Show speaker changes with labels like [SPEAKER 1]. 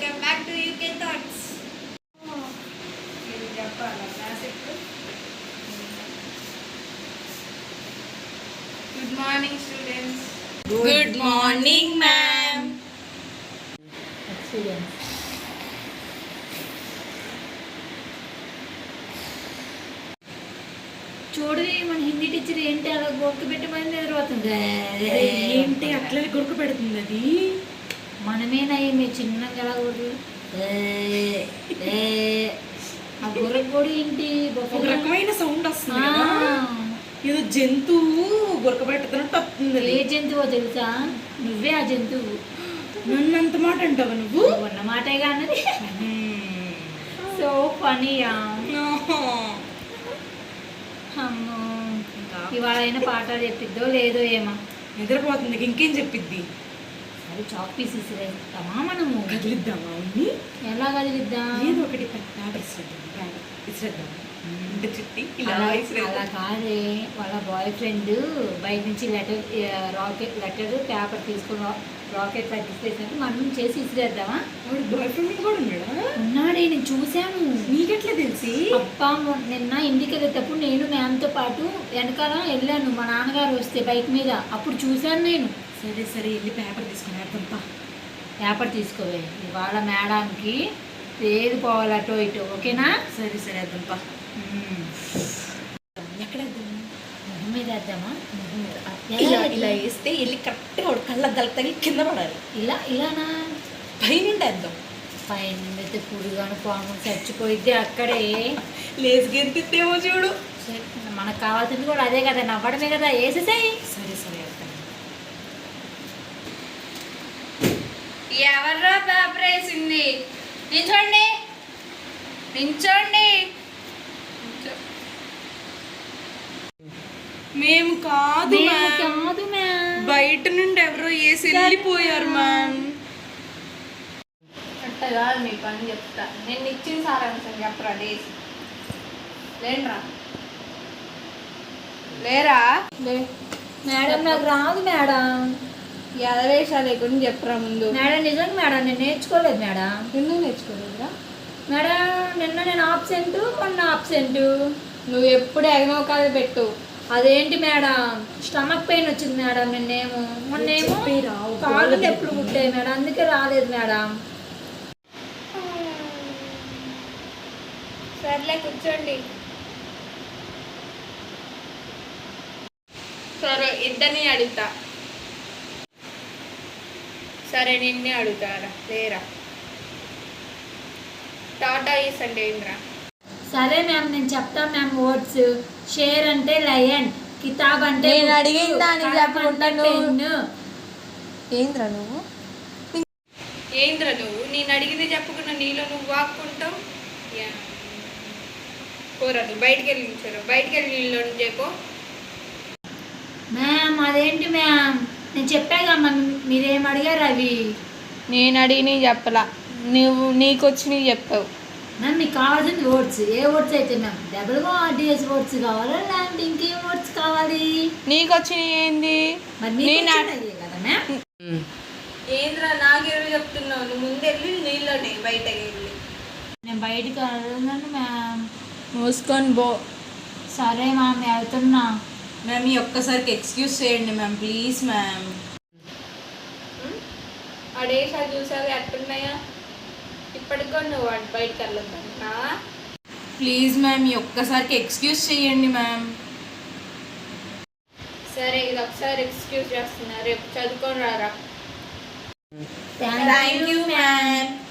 [SPEAKER 1] Welcome back to UK thoughts. మీరు చెప్పాలా classic? Good morning students. Good morning ma'am.
[SPEAKER 2] చూడు మన హిందీ టీచర్ ఏంటి అలా గొక్క పెట్టమని నిద్రపోతుంది.
[SPEAKER 1] ఏంటి అట్లా గురుకు పెడుతుంది? అది
[SPEAKER 2] మనమేనయ్యి మీ చిన్నగా ఎలా కొడు ఆ గుర్రకు కూడా ఏంటి
[SPEAKER 1] ఒక రకమైన సౌండ్ వస్తుంది కదా, ఏదో జంతువు గురక పెడుతున్నట్టు వస్తుంది.
[SPEAKER 2] ఏ జంతువో తెలుసా? నువ్వే ఆ జంతువు.
[SPEAKER 1] నన్నంత మాట అంటావా నువ్వు?
[SPEAKER 2] ఉన్న మాటేగా అన్నది. సో ఫనీయా. అమ్మో, ఇవాళ అయినా పాఠాలు చెప్పిద్దో లేదో ఏమో.
[SPEAKER 1] నిద్రపోతుంది, ఇంకేం చెప్పిద్ది?
[SPEAKER 2] అది చాక్ పీస్ ఇసిరేస్తామా మనము?
[SPEAKER 1] కదిలిద్దామా?
[SPEAKER 2] ఎలా కదిలిద్దాం?
[SPEAKER 1] ఏదో ఒకటి ఇసిరేద్దాం.
[SPEAKER 2] అలా కాదే, వాళ్ళ బాయ్ ఫ్రెండ్ బయట నుంచి లెటర్ పేపర్ తీసుకుని రాకెట్ ఇసిరేసినట్టు మనం చేసి ఇసిరేద్దామా?
[SPEAKER 1] బాయ్ ఫ్రెండ్ కూడా ఉన్నాడా?
[SPEAKER 2] ఉన్నాడే, నేను చూశాను.
[SPEAKER 1] నీకెట్లా తెలిసి?
[SPEAKER 2] అబ్బా, నిన్న ఇంటికి వెళ్ళేటప్పుడు నేను మ్యామ్తో పాటు వెనకాల వెళ్ళాను. మా నాన్నగారు వస్తే బైక్ మీద, అప్పుడు చూశాను నేను.
[SPEAKER 1] సరే సరే, వెళ్ళి పేపర్ తీసుకుని వేద్దాంపా.
[SPEAKER 2] పేపర్ తీసుకోవే, ఇవాళ మేడానికి ఏది పోవాలి అటో ఇటో. ఓకేనా?
[SPEAKER 1] సరే సరే, వేద్దాంపా. ఎక్కడ
[SPEAKER 2] మొహం మీద వేద్దామా?
[SPEAKER 1] ఇలా ఇలా వేస్తే వెళ్ళి కరెక్ట్గా కళ్ళ తగిలి కింద పడాలి.
[SPEAKER 2] ఇలానా?
[SPEAKER 1] పైన వేద్దాం.
[SPEAKER 2] పైన అయితే పురుగాను పాము చచ్చిపోయిద్ది అక్కడే.
[SPEAKER 1] లేచి గెంతిద్దేమో చూడు.
[SPEAKER 2] మనకు కావాల్సింది కూడా అదే కదా, నవ్వడమే కదా. వేసేసాయి.
[SPEAKER 1] సరే సరే, వేద్దాం.
[SPEAKER 3] ఎవర్రా పేపర్ వేసింది? నించోండి నించోండి.
[SPEAKER 1] మేము కాదు
[SPEAKER 2] కాదు మ్యామ్,
[SPEAKER 1] బయట నుండి ఎవరో వేసి వెళ్ళిపోయారు మ్యామ్.
[SPEAKER 3] అట్ట కాదు, మీ పని చెప్తా. నేను ఇచ్చిన సారాంశం చెప్పరా. లేండ్రా, లేరా?
[SPEAKER 2] మేడం నాకు రాదు మేడం.
[SPEAKER 3] ఎదవేషాలు లేకుండా చెప్పరా ముందు.
[SPEAKER 2] మేడం నిజంగా మేడం నేను నేర్చుకోలేదు మేడం.
[SPEAKER 3] ఎందుకు నేర్చుకోలేదురా?
[SPEAKER 2] మేడం నిన్న నేను ఆబ్సెంట్, మొన్న ఆబ్సెంట్.
[SPEAKER 3] నువ్వు ఎప్పుడు ఎగమోకాలు పెట్టు.
[SPEAKER 2] అదేంటి మేడం, స్టమక్ పెయిన్ వచ్చింది మేడం. నిన్నేమో మొన్నేమో కాళ్ళు నొప్పులు పుట్టాయి మేడం, అందుకే రాలేదు మేడం.
[SPEAKER 3] సర్లే కూర్చోండి. సరే, ఇద్దరిని అడుగుతా. సరే, నిన్నే అడుగుతారా? లేరా? టాటా ఈస్ అంటే ఏంద్రా?
[SPEAKER 2] సరే మ్యామ్, నేను చెప్తాను మ్యామ్. వర్డ్స్ షేర్ అంటే లయన్, కితాబ్ అంటే
[SPEAKER 3] నేను అడిగిన దానికి చెప్పకుండా
[SPEAKER 2] పెన్ను.
[SPEAKER 3] ఏంద్రా నువ్వు? నేను అడిగింది చెప్పకుండా నీలో నువ్వు వాక్కుంటావు. పోరా, నువ్వు బయటికి వెళ్ళి నిల్చోరా. బయటికి వెళ్ళి నీళ్ళు చెప్పు.
[SPEAKER 2] మ్యామ్ అదేంటి మ్యామ్, నేను చెప్పాగా మీరేం అడిగారు అవి?
[SPEAKER 3] నేను అడిగినవి చెప్పలా, నువ్వు నీకు వచ్చినవి చెప్పావు.
[SPEAKER 2] మ్యామ్ మీకు కావాల్సింది వర్డ్స్. ఏ వర్డ్స్ అయితే మ్యామ్? డబ్ల్యూఆర్డిఎస్ వర్డ్స్ కావాలా లేదంటే ఇంకేం వర్డ్స్ కావాలి?
[SPEAKER 3] నీకు వచ్చినవి ఏంది?
[SPEAKER 2] కదా మ్యామ్.
[SPEAKER 3] ఏంద్రా నాకెవరు చెప్తున్నావు? నువ్వు ముందెళ్ళి నీళ్ళని బయటకి వెళ్ళి.
[SPEAKER 2] నేను బయటికి వెళ్ళను మ్యామ్.
[SPEAKER 3] మూసుకొని బో.
[SPEAKER 2] సరే మ్యామ్, వెళ్తున్నా.
[SPEAKER 1] మ్యామ్, ఈ ఒక్కసారికి ఎక్స్క్యూజ్ చేయండి మ్యామ్, ప్లీజ్ మ్యామ్.
[SPEAKER 3] అడేసారి చూసావు ఎట్టున్నాయా? ఇప్పటికో నువ్వు బయటకు వెళ్ళొద్దా?
[SPEAKER 1] ప్లీజ్ మ్యామ్, ఈ ఒక్కసారికి ఎక్స్క్యూజ్ చేయండి మ్యామ్.
[SPEAKER 3] సరే, ఇది ఒకసారి ఎక్స్క్యూజ్ చేస్తున్నా. రేపు చదువుకొని రారా.
[SPEAKER 2] Thank you ma'am.